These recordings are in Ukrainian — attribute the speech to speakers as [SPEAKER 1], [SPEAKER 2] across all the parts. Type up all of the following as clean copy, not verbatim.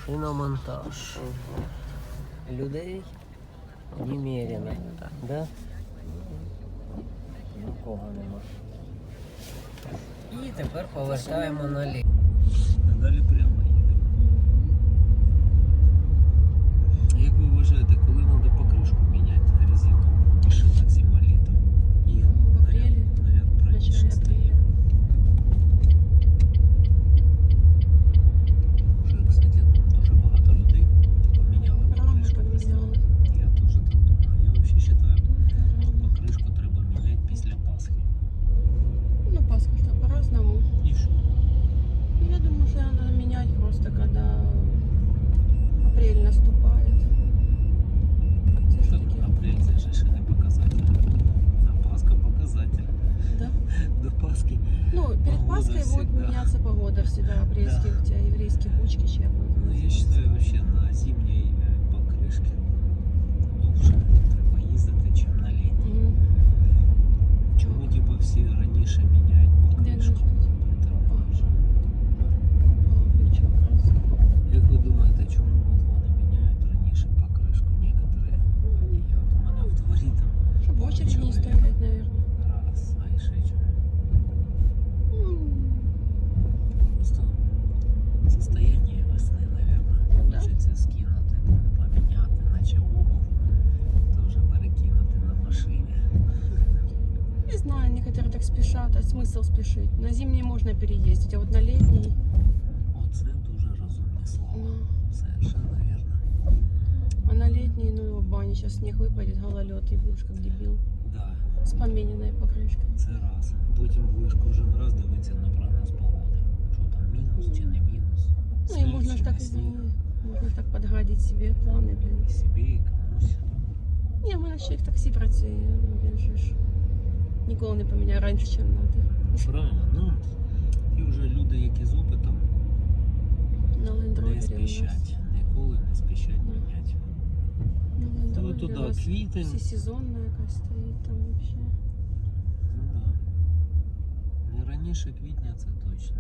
[SPEAKER 1] Шиномонтаж. Людей немерено. Да? Нікого нема. І тепер повертаємо наліво. А далі прямо їдемо. Як ви вважаєте, коли треба покришку міняти резину? Машинок зима-літо. І
[SPEAKER 2] в апрелі.
[SPEAKER 1] наряд раніше стає. Вже, кстати, дуже багато людей поміняли покришку. Я теж так думаю. Я взагалі вважаю, покришку треба міняти після Пасхи.
[SPEAKER 2] Ну, Пасха что по-разному.
[SPEAKER 1] І що?
[SPEAKER 2] Я думаю, что надо менять просто, когда апрель наступает.
[SPEAKER 1] Апрель це ж ще не показатель. А Пасха показатель.
[SPEAKER 2] Да?
[SPEAKER 1] До Пасхи.
[SPEAKER 2] Ну, перед
[SPEAKER 1] Погода
[SPEAKER 2] Пасхой будет
[SPEAKER 1] всегда.
[SPEAKER 2] меняться погода всегда, апрельских, у тебя еврейские кучки, чем.
[SPEAKER 1] Ну, я считаю, вообще на зимній покришці довше треба їздити, ніж на літній. Чому типу всі раніше міняють покришку? Як ви думаєте, чому от вони міняють раніше покришку? Некоторые водії. От у мене в дворі там
[SPEAKER 2] Чтобы в очереди не
[SPEAKER 1] чоловік
[SPEAKER 2] стоять, наверное.
[SPEAKER 1] раз, а і ще чому? Просто состояние весни, наверное.
[SPEAKER 2] Да.
[SPEAKER 1] Хочеться скинути, поміняти, наче обув, теж перекинути на машині.
[SPEAKER 2] Не знаю, некоторые так спешат, а смысл спешить. На зимний можно переездить, а вот на летний...
[SPEAKER 1] Оце дуже розумне слово.
[SPEAKER 2] Ну.
[SPEAKER 1] Совершенно верно.
[SPEAKER 2] А на летний, ну, в бане сейчас снег выпадет, гололед, и будешь как дебил.
[SPEAKER 1] Да,
[SPEAKER 2] С помененной покрышкой.
[SPEAKER 1] це раз. Потім будеш кожен раз дивитися на прогноз погоди. Що там, мінус чи не мінус.
[SPEAKER 2] Ну и
[SPEAKER 1] Сніг
[SPEAKER 2] можно
[SPEAKER 1] чи
[SPEAKER 2] ж так,
[SPEAKER 1] не сніг.
[SPEAKER 2] можно ж так подгадить себе планы, блин.
[SPEAKER 1] І собі, і комусь.
[SPEAKER 2] Не, в мене ще в таксі працює, він же ж ніколи не поміняє раніше, ніж треба.
[SPEAKER 1] Правильно, ну, ті вже люди, які з опитом,
[SPEAKER 2] На Land Rover
[SPEAKER 1] не спішать. Ніколи не спішать міняти. То туди квітень.
[SPEAKER 2] Всесезонна якась стоїть там вообще.
[SPEAKER 1] Ну да. Не раніше квітня, це точно.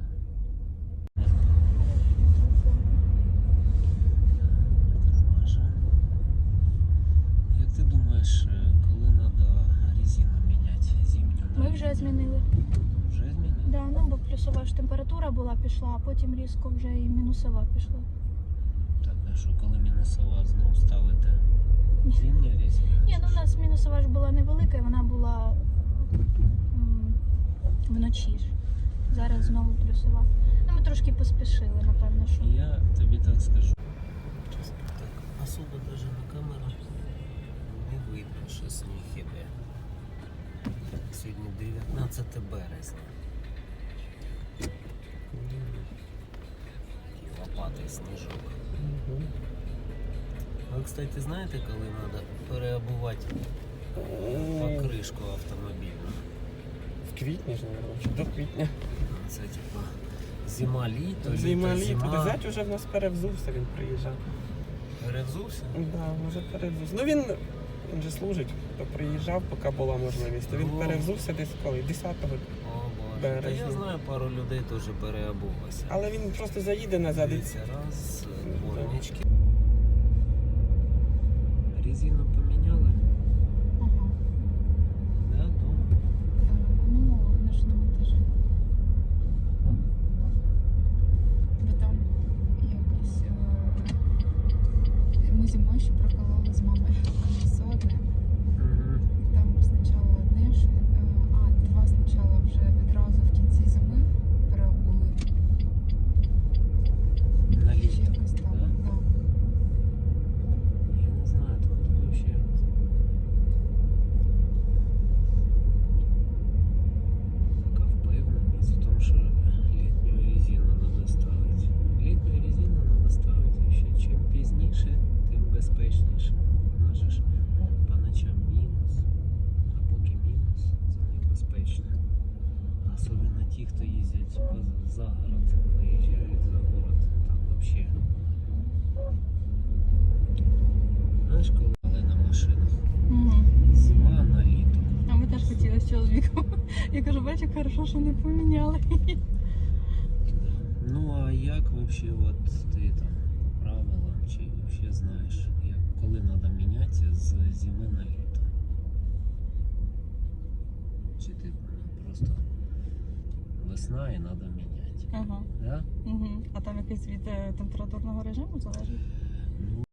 [SPEAKER 1] Тормажем. Як ти думаєш, коли треба резину міняти зимню?
[SPEAKER 3] Ми вже змінили.
[SPEAKER 1] Вже змінили?
[SPEAKER 3] Да, ну бо плюсова ж температура була пішла, а потім різко вже і мінусова пішла.
[SPEAKER 1] Так, а що, коли мінусова знову ставите зимня резина?
[SPEAKER 3] Ні, ну у нас мінусова ж була невелика, і вона була вночі ж. Зараз знову плюсова. Ну ми трошки поспішили, напевно, що.
[SPEAKER 1] Я тобі так скажу. Так, особо даже на камеру не видно, що сніг іде. Сьогодні 19 березня. І лопатий сніжок. Ви, кстати, знаєте, коли треба переобувати покришку автомобільну?
[SPEAKER 4] В квітні ж, мабуть, чи до квітня.
[SPEAKER 1] Це типа зима-літо,
[SPEAKER 4] Зима, літо.
[SPEAKER 1] зима.
[SPEAKER 4] Зять уже в нас перевзувся, він приїжджав.
[SPEAKER 1] Перевзувся?
[SPEAKER 4] Да, вже перевзувся. Ну він же служить, то приїжджав, поки була можливість. То він
[SPEAKER 1] Ну.
[SPEAKER 4] перевзувся десь коли? 10-го.
[SPEAKER 1] О, Боже. Та
[SPEAKER 4] Березня.
[SPEAKER 1] я знаю, пару людей теж переобулося.
[SPEAKER 4] Але він просто заїде назад і
[SPEAKER 1] Дивіться, раз, дворнички. Резину поміняли?
[SPEAKER 3] Ага.
[SPEAKER 1] Да, дома.
[SPEAKER 3] Ну, вона ж на монтажі. Бо там якось ми зимою ще прокололи з мамою колесо одне.
[SPEAKER 1] Угу.
[SPEAKER 3] Там спочатку одне ж, два спочатку вже відразу в кінці зими переобули.
[SPEAKER 1] На
[SPEAKER 3] Чи
[SPEAKER 1] літо,
[SPEAKER 3] якось так,
[SPEAKER 1] да?
[SPEAKER 3] да.
[SPEAKER 1] Я не знаю, тут вообще. Пока впевнений за тому, що літню резину треба ставити. Літню резину треба ставити вообще. Чим пізніше, тим безпечніше. Вона же ж по ночам мінус, а поки мінус, це небезпечно. Особливо ті, хто їздять за город, виїжджають за город, там вообще. Знаєш, коли але на машинах зима на літо.
[SPEAKER 3] А ми теж хотіли з чоловіком. Я кажу, бачу, хорошо, що не поміняли.
[SPEAKER 1] Ну а як вообще от ти там правилам, чи взагалі знаєш, коли треба мінятися з зими на літо? Чи ти просто весна і треба міняти?
[SPEAKER 2] Ага.
[SPEAKER 1] Да?
[SPEAKER 2] Угу. А там якийсь від температурного режиму залежить?
[SPEAKER 1] Ну,